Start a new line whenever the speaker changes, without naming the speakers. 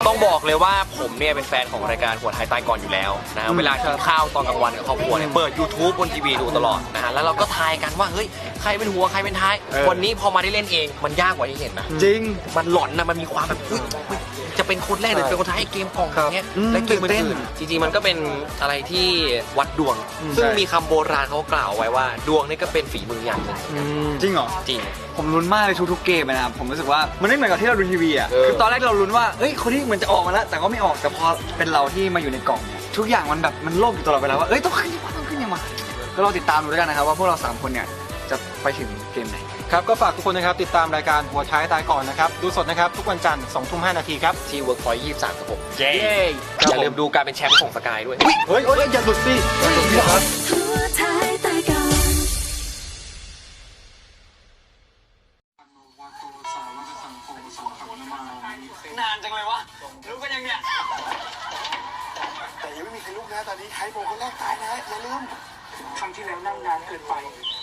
ต้องบอกเลยว่าผมเนี่ยเป็นแฟนของรายการหัวไทยใต้ก่อนอยู่แล้วนะเวลากินข้าวตอนกลางวันกับครอบครัวเนี่ยเปิด YouTube บนทีวีดูตลอดนะฮะแล้วเราก็ทายกันว่าเฮ้ยใครเป็นหัวใครเป็นท้ายวันนี้พอมาได้เล่นเองมันยากกว่าที่เห็นนะ
จริง
มันหลอนนะมันมีความแบบจะเป็นคนแรกหรือเป็นคนท้ายเกมกล่องอย่างเงี้ยและเกมอื่นจริงๆมันก็เป็นอะไรที่วัดดวงซึ่งมีคำโบราณเขากล่าวไว้ว่าดวงนี่ก็เป็นฝีมืออย่างหนึ่ง
จริงเหรอ
จริง
ผมลุ้นมากเลยทุกๆเกมนะครับผมรู้สึกว่ามันไม่เหมือนกับที่เราดูทีวีอ่ะคือตอนแรกเราลุ้นว่าเอ้ยคนที่เหมือนจะออกมาแล้วแต่ก็ไม่ออกแต่พอเป็นเราที่มาอยู่ในกล่องเนี่ยทุกอย่างมันแบบมันโล่งอยู่ตลอดเวลาว่าเอ้ยต้องขึ้นยังมาก็ลองติดตามดูด้วยกันนะครับว่าพวกเรา3คนเนี่ยจะไปถึงเกมไหน
ครับก็ฝากทุกคนนะครับติดตามรายการหัวท้ายตายก่อนนะครับดูสดนะครับทุกวันจันทร์ 20:05 น.ครับ
ที่ Workpoint 23ครับผมอย่าลืมดูการเป็นแชมป์ของสกายด้วย
เฮ้ยอย่าหลุดสินานจังเลยวะรู้กันยังเนี่ย
แต่ยังไม่มีใครลุกนะตอนนี้ไทโบคนแรกตายนะอย่าลืมครั้งที่แล้วนั่งนานเกินไป